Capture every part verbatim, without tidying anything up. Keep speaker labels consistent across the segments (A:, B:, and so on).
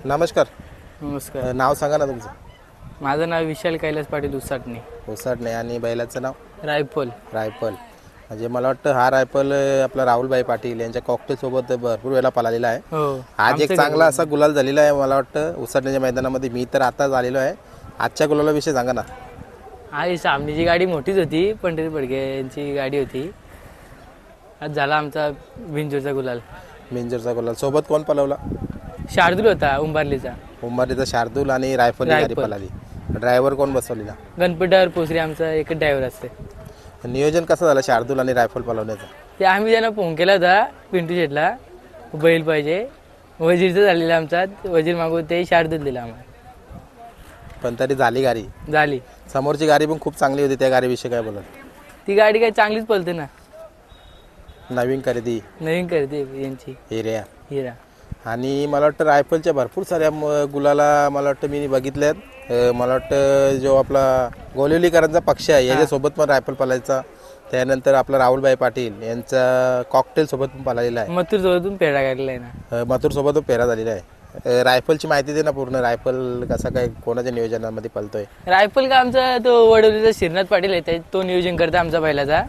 A: नमस्कार.
B: नमस्कार.
A: नाव सांगा ना तुमचं.
B: माझं नाव विशाल कैलास पाटील उसाटणे.
A: उसाटणे. आणि बैलाचं नाव?
B: रायफल.
A: रायफल. म्हणजे मला वाटतं हा रायफल आपला राहुलभाई पाटील यांच्या कॉकटेल सोबत भरपूर वेळा पळालेला आहे.
B: हो.
A: आज एक चांगला असा गुलाल झालेला आहे मला वाटतं उसाटण्याच्या मैदानामध्ये. मी तर आताच आलेलो आहे. आजच्या गुलालाविषयी सांगा ना.
B: आई सामनीची गाडी मोठीच होती, पंढरी पडके यांची गाडी होती. आज झाला आमचा बिंजोरचा गुलाल.
A: बिंजोरचा गुलाल. सोबत कोण पळवला?
B: शार्दूल होता उंबारलीचा.
A: उंबारीचा शार्दूल आणि रायफल गाडी पळाली. ड्रायव्हर कोण बसवलेला?
B: गणपती ड्रायव्हर पोसरी आमचा एकच ड्रायव्हर असते.
A: नियोजन कसं झालं शार्दूल आणि रायफल पळवण्याचं?
B: ते आम्ही त्यांना फोन केला होता पिंटू शेटला, बैल पाहिजे. वजीरचं झालेला आमचा, वजीर मागू ते शार्दूल दिला आम्हाला.
A: पण तरी झाली गाडी.
B: झाली.
A: समोरची गाडी पण खूप चांगली होती. त्या गाडीविषयी काय बोलत?
B: ती गाडी काय चांगलीच पळते ना.
A: नवीन खरेदी
B: नवीन करते यांची
A: हिऱ्या.
B: हिरा.
A: आणि मला वाटतं रायफलच्या भरपूर साऱ्या म- गुलाला मला वाटतं मी बघितल्यात. अं, मला वाटतं जो आपला गोलिवलीकरांचा पक्ष आहे याच्यासोबत पण रायफल पळायचा. त्यानंतर आपला राहुलभाई पाटील यांचा कॉकटेल सोबत पण पळालेला आहे.
B: मथुर सोबतून पेढा काढला आहे ना.
A: मथुर सोबत पण पेरा झालेला आहे. अं, रायफलची माहिती दे ना पूर्ण. रायफल कसा काय कोणाच्या नियोजनामध्ये पळतोय?
B: रायफल का आमचा तो वडवलीचा श्रीनाथ पाटील आहे, तो नियोजन करतो आमचा बैलाचा.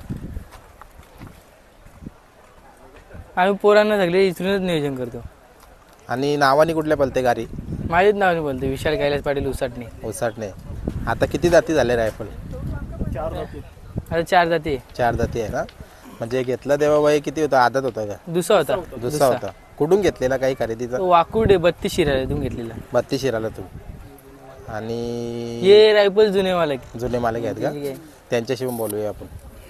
B: आम्ही पोरांना सगळे इचरूनच नियोजन करतो.
A: आणि नावाने कुठल्या पळते गाडी?
B: माझ्याच नावाने बोलतो विशाल कैलास पाटील उसाटणे.
A: उसाटणे. आता किती जाती झाले रायफल?
B: आता चार जाती.
A: चार जाती आहे ना. म्हणजे घेतला तेव्हा वय किती होता? आदत होता का?
B: दुसरा होता.
A: दुसरा होता. कुठून घेतलेला काही खरेदीचा?
B: तो वाकुडे बत्तीस शिरातून घेतलेला.
A: बत्तीस शिराला तू. आणि
B: ये रायफल जुने मालक.
A: जुने मालक आहेत का? त्यांच्याशी पण बोलूया आपण.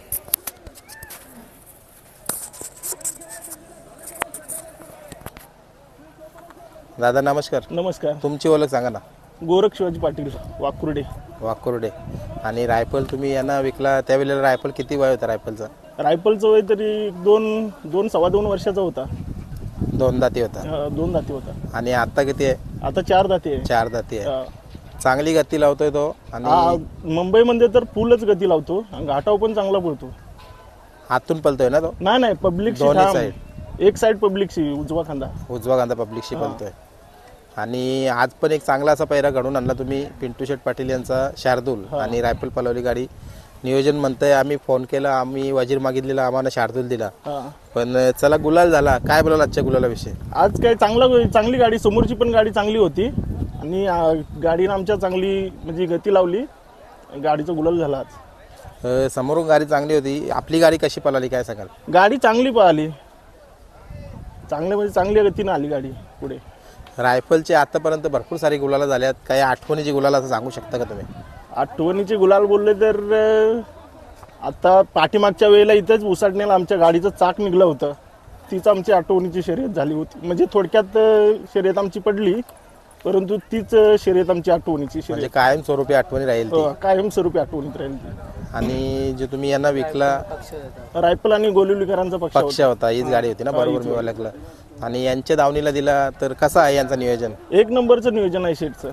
A: दादा नमस्कार.
C: नमस्कार.
A: तुमची ओळख सांगा ना.
C: गोरख शिवाजी पाटील वाकुर्डे.
A: वाकुर्डे. आणि रायफल तुम्ही यांना विकला त्यावेळेला रायफल किती वय होता रायफलचा?
C: रायफलचं वय तरी दोन दोन सव्वा दोन वर्षाचा होता.
A: दोन दाती होता.
C: अं, दोन दाती होता.
A: आणि आता किती आहे?
C: आता चार दाती आहे.
A: चार दाती आहे.
C: अं,
A: चांगली गती लावतोय तो. आणि
C: हा, मुंबईमध्ये तर फुलच गती लावतो. आणि घाटाव पण चांगला पळतो.
A: हातून पळतोय ना तो?
C: नाही नाही पब्लिक
A: दोन्ही साईड.
C: एक साईड पब्लिकची उजवा खांदा.
A: उजवा कांदा पब्लिकशी पळतोय. आणि आज पण एक चांगला असा पैरा घडून आणला तुम्ही. पिंटू शेठ पाटील यांचा शार्दूल आणि रायफल पळवली गाडी. नियोजन म्हणतंय आम्ही फोन केला, आम्ही वजीर मागितलेला, आम्हाला शार्दूल दिला.
C: हा.
A: पण चला गुलाल झाला. काय बोलाल आजच्या गुलालाविषयी?
C: आज काय चांगला चांगली गाडी, समोरची पण गाडी चांगली होती. आणि अं, गाडीनं आमच्या चांगली म्हणजे गती लावली. गाडीचा गुलाल झाला आज.
A: अ, समोरून गाडी चांगली होती. आपली गाडी कशी पळाली काय सांगाल?
C: गाडी चांगली पळाली. चांगल्या म्हणजे चांगल्या गतीनं आली गाडी पुढे.
A: रायफलचे आतापर्यंत भरपूर सारी गुलाला झाल्यात. काही आठवणीची गुलाल असं सांगू शकता का तुम्ही?
C: आठवणीचे गुलाल बोलले तर अं, आता पाठीमागच्या वेळेला इथंच उसाटण्याला आमच्या गाडीचं चाक निघलं होतं. तीच आमची आठवणीची शर्यत झाली होती. म्हणजे थोडक्यात अं, शर्यत आमची पडली, परंतु तीच अं, शर्यत आमची आठवणीची
A: म्हणजे
C: शर्यत
A: कायमस्वरूपी आठवणी राहील ती.
C: अं, कायमस्वरूपी आठवणीत राहील ती.
A: आणि जे तुम्ही यांना विकला
C: रायफल आणि गोलिवलीकरांचा पक्ष
A: पक्ष होता, हीच गाडी होती ना? बरोबर मी ओळखलं. आणि यांच्या दावणीला दिला तर कसं आहे यांचं नियोजन?
C: होता. एक नंबरचं नियोजन आहे शेटचं.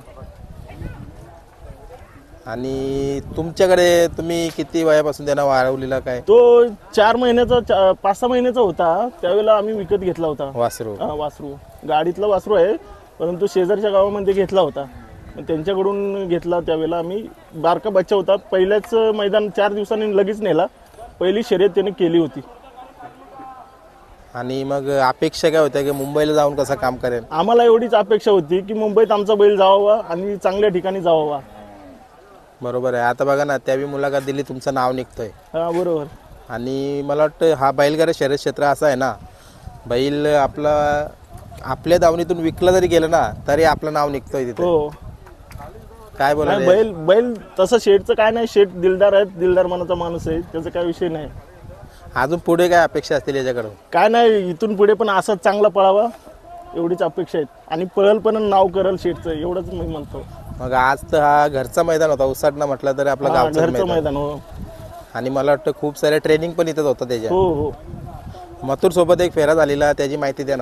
A: आणि तुमच्याकडे तुम्ही किती वयापासून त्यांना वाढवलेला काय?
C: तो चार महिन्याचा चा- पाच सहा महिन्याचा होता त्यावेळेला आम्ही विकत घेतला होता.
A: वासरू.
C: हा, वासरू गाडीतला वासरू आहे, परंतु शेजारच्या गावामध्ये घेतला होता. मग त्यांच्याकडून घेतला त्यावेळेला आम्ही. बारका बच्चा होता. पहिल्याच मैदान चार दिवसांनी लगेच नेला. पहिली शर्यत त्याने केली होती.
A: आणि मग अपेक्षा काय होत्या की मुंबईला जाऊन कसं काम करेल?
C: आम्हाला एवढीच अपेक्षा होती की मुंबईत आमचा बैल जावावा आणि चांगल्या ठिकाणी जावावा.
A: बरोबर आहे. आता बघा ना, त्यावेळी मुलाखत दिली, तुमचं नाव निघतंय.
C: हा बरोबर.
A: आणि मला वाटतं हा बैलगाडा शर्यत क्षेत्र असं आहे ना, बैल आपला आपल्या दावणीतून विकलं जरी गेलं ना तरी आपलं नाव निघतंय तिथे.
C: हो.
A: काय बोला?
C: नाही, बैल बैल तसं शेठचं काय नाही. शेठ दिलदार आहेत, दिलदार मनाचा माणूस आहे, त्याचा काय विषय नाही.
A: अजून पुढे काय अपेक्षा असतील याच्याकडून?
C: काय नाही, इथून पुढे पण असाच चांगला पळावा एवढीच अपेक्षा आहेत. आणि पळल पण नाव करल शेठचं, एवढंच मी म्हणतो.
A: मग आज तर हा घरचा मैदान होता. उसाटणा म्हटलं तरी आपलं
C: हा,
A: गावचं
C: घरचं
A: मैदान.
C: मैदान. हो
A: आणि मला वाटतं खूप सारे ट्रेनिंग पण इथंच होतं त्याच्या.
C: हो हो.
A: मथुर सोबत एक फेरा झालेला, त्याची माहिती द्या ना.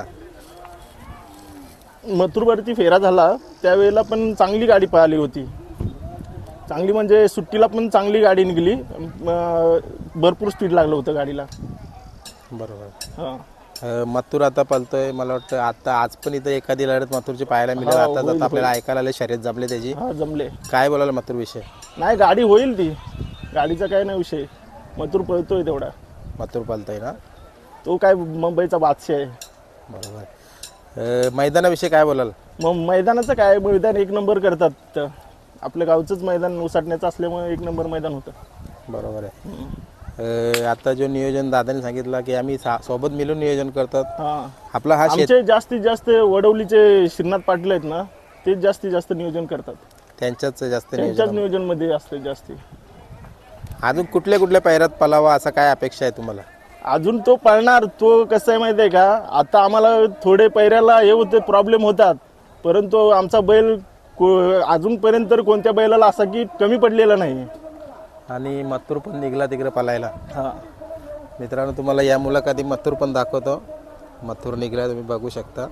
C: मथुरवरती फेरा झाला त्यावेळेला पण चांगली गाडी पळाली होती. चांगली म्हणजे सुट्टीला पण चांगली गाडी निघाली. अं, भरपूर स्पीड लागलं होतं गाडीला.
A: बरोबर.
C: हां.
A: अ, मथुर आता पलतोय मला वाटतं आता आज पण इथं एखादी लढत मथुरची पाहायला मिळेल.
C: हा,
A: आता
C: होईल,
A: जाता आपल्याला ऐकायला आले शर्यत जमले त्याची.
C: हा जमले.
A: काय बोलायला मथुर विषय?
C: नाही गाडी होईल ती, गाडीचा काय नाही विषय. मथुर पळतोय तेवढा,
A: मथुर पलतोय ना,
C: तो काय मुंबईचा बादशाह आहे.
A: बरोबर. अ, मैदानाविषयी काय बोलाल?
C: मग मैदानाचं काय, मैदान एक नंबर करतात. आपल्या गावचंच मैदान उसटण्याचं असल्यामुळे एक नंबर मैदान होतं.
A: बरोबर आहे. अ, आता जो नियोजन दादाने सांगितलं की आम्ही सा- सोबत मिळून नियोजन करतात.
C: हा,
A: आपला हा शेत
C: आमचे जास्तीत जास्त वडवलीचे श्रीनाथ पाटील आहेत ना, तेच जास्तीत जास्त नियोजन करतात.
A: त्यांच्याच जास्त
C: त्यांच्याच
A: नियोजन.
C: नियोजन मध्ये असते जास्ती.
A: अजून कुठल्या कुठल्या पैरात पलावा असा काय अपेक्षा आहे तुम्हाला?
C: अजून तो पळणार. तो कसं आहे माहिती आहे का, आता आम्हाला थोडे पैऱ्याला हे होते, प्रॉब्लेम होतात, परंतु आमचा बैल को- अजूनपर्यंत तर कोणत्या बैलाला असा की कमी पडलेला नाही.
A: आणि मथुर पण निघला तिकडे पलायला.
C: हा,
A: मित्रांनो तुम्हाला या मुलाखती मथुर पण दाखवतो. मथुर निघला तुम्ही बघू शकता.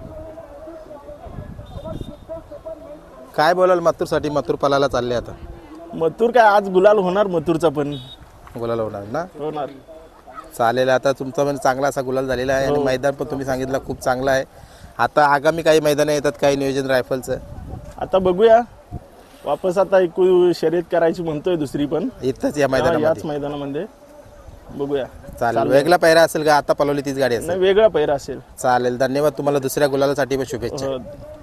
A: काय बोलाल मथुरसाठी? मथुर पलायला चालले आता.
C: मथुर काय आज गुलाल होणार, मथुरचा पण
A: गुलाल होणार ना.
C: होणार.
A: चालेल. आता तुमचा पण चांगला असा गुलाल झालेला आहे आणि मैदान पण तुम्ही सांगितलं खूप चांगलं आहे. आता आगामी काही मैदानं येतात, काही नियोजन रायफलचं
C: आता बघूया वापस, आता एकू शर्यत करायची म्हणतोय दुसरी पण.
A: इथंच या
C: हा, याच
A: मैदानामध्ये.
C: मैदानामध्ये बघूया.
A: चालेल. वेगळा पैरा असेल का? आता पलवली तीच गाडी असेल.
C: नाही, वेगळा पैरा असेल.
A: चालेल. धन्यवाद तुम्हाला. दुसऱ्या गुलालासाठी पण शुभेच्छा.
C: हो.